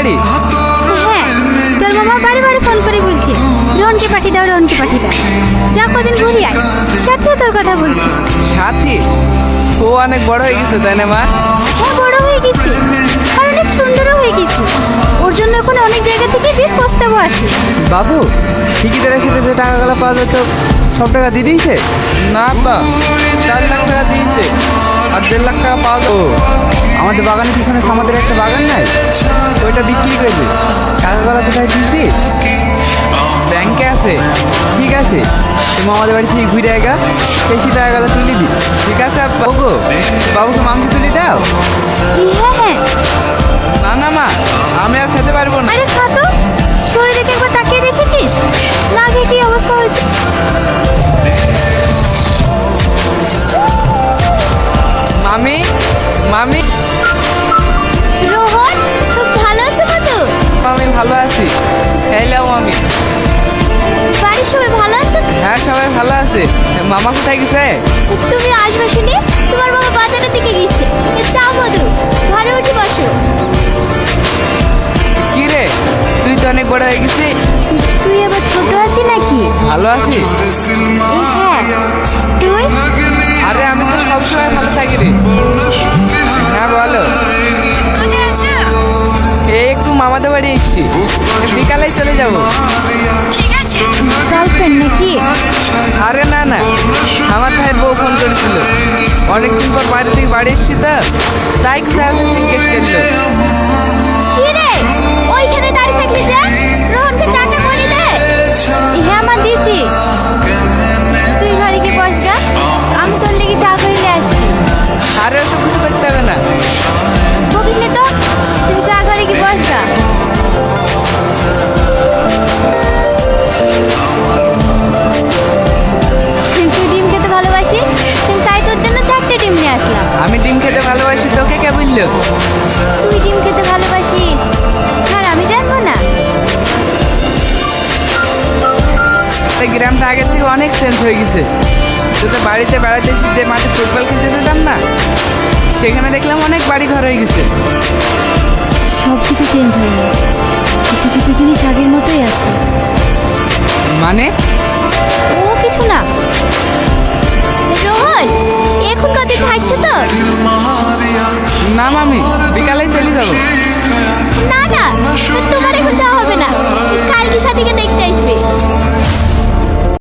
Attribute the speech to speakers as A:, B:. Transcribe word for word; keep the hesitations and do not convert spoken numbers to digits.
A: বাড়ি?
B: হ্যাঁ, তোর মামা বাড়ি বাড়ি ফোন করে বলছে রোহনকে পাঠিয়ে দাও, রোহনকে পাঠিয়ে দাও। যা কদিন ঘুরি আয়, সাথেও তোর কথা বলছি।
A: সাথী? ও অনেক বড় হয়ে গেছে তাই না মা?
B: হ্যাঁ, বড় হয়ে গেছে আর অনেক সুন্দরও হয়ে গেছে। ওর জন্য এখন অনেক জায়গা থেকে বিয়ের প্রস্তাবও আসে।
A: বাবু, ঠিকিদারের সাথে যে টাকাগুলো পাওয়া যেত সব টাকা দিয়ে দিয়েছে? না আব্বা, চার লাখ টাকা দিয়েছে আর দেড় লাখ টাকা পাওয়া যাবে। আমাদের বাগানের পিছনে আমাদের একটা বাগান নাই, ওইটা বিক্রি করবে। টাকাগুলো কোথায় দিয়েছি? ব্যাংকে আছে। ঠিক আছে, তুমি আমাদের বাড়ি থেকে ঘুরে আগা বেশি টাকাগুলো তুলে দি। ঠিক আছে আব্বা। গো, বাবুকে মাংস তুলে দাও।
B: হ্যাঁ হ্যাঁ।
A: না না মা, আমি আর খেতে পারবো না।
B: আরে খা তো, শরীরে একবার তাকিয়ে দেখেছিস না, খেয়ে কি অবস্থা হয়েছে।
A: মামি, মামি।
B: রোহন, খুব ভালো আছো তো?
A: আমি ভালো আছি। হ্যালো মামি।
B: বাড়ির সবাই ভালো আছে?
A: হ্যাঁ, সবাই ভালো আছে। মামা কোথায় গেছে?
B: তুমি আসবে শুনে তোমার বাবা বাজারের দিকে গেছে। চাও মধু, ঘরে উঠে বসো।
A: কি রে, তুই তো অনেক বড় হয়ে গেছিস।
B: তুই আবার ছোট আছিস নাকি?
A: ভালো আছি।
B: হ্যাঁ, তুই?
A: আরে আমি তো সবসময় ভালো থাকি রে। হ্যাঁ বলো।
B: কোথায় আছো?
A: এই একটু মামাদের বাড়ি এসছি, বিকালেই চলে যাব।
B: ঠিক আছে। গার্লফ্রেন্ড নাকি?
A: আরে না না, আমার ভাইয়ের বউ ফোন করেছিল। অনেকদিন পর বাড়ি থেকে বাড়ি এসছি তো, তাই কোথায় আছে জিজ্ঞেস করলো।
B: কি রে, ওইখানে দাঁড়িয়ে থাকলি যে? রোহনকে চাটা করে দে। হ্যাঁ মা, দিছি। তুই ঘরে গিয়ে বস গা, আমি তোর লেগে চা করে নিয়ে আসছি।
A: আরে ওসব কিছু করতে হবে না।
B: বকিস নে তো, তুই চা ঘরে গিয়ে বস গা। তুই ডিম খেতে ভালোবাসিস, তাই তোর জন্য চারটে ডিম নিয়ে আসলাম।
A: আমি ডিম খেতে ভালোবাসি, তোকে কে বললো?
B: তুই ডিম খেতে ভালোবাসিস আর আমি জানবো না?
A: এই গ্রামটা আগের থেকে অনেক চেঞ্জ হয়ে গেছে। তোদের বাড়িতে বেড়াতে এসে যে মাঠে ফুটবল খেলতে যেতাম না, সেখানে দেখলাম অনেক বাড়ি ঘর হয়ে গেছে।
B: সব কিছু চেঞ্জ হয়নি, কিছু কিছু জিনিস আগের মতোই আছে।
A: মানে?
B: ও কিছু না। রোহন, এখন কত থাকছে তো?
A: না মামি, বিকালে চলে যাবো।
B: না না, তোমার এখন যাওয়া হবে না। কালকে সাথে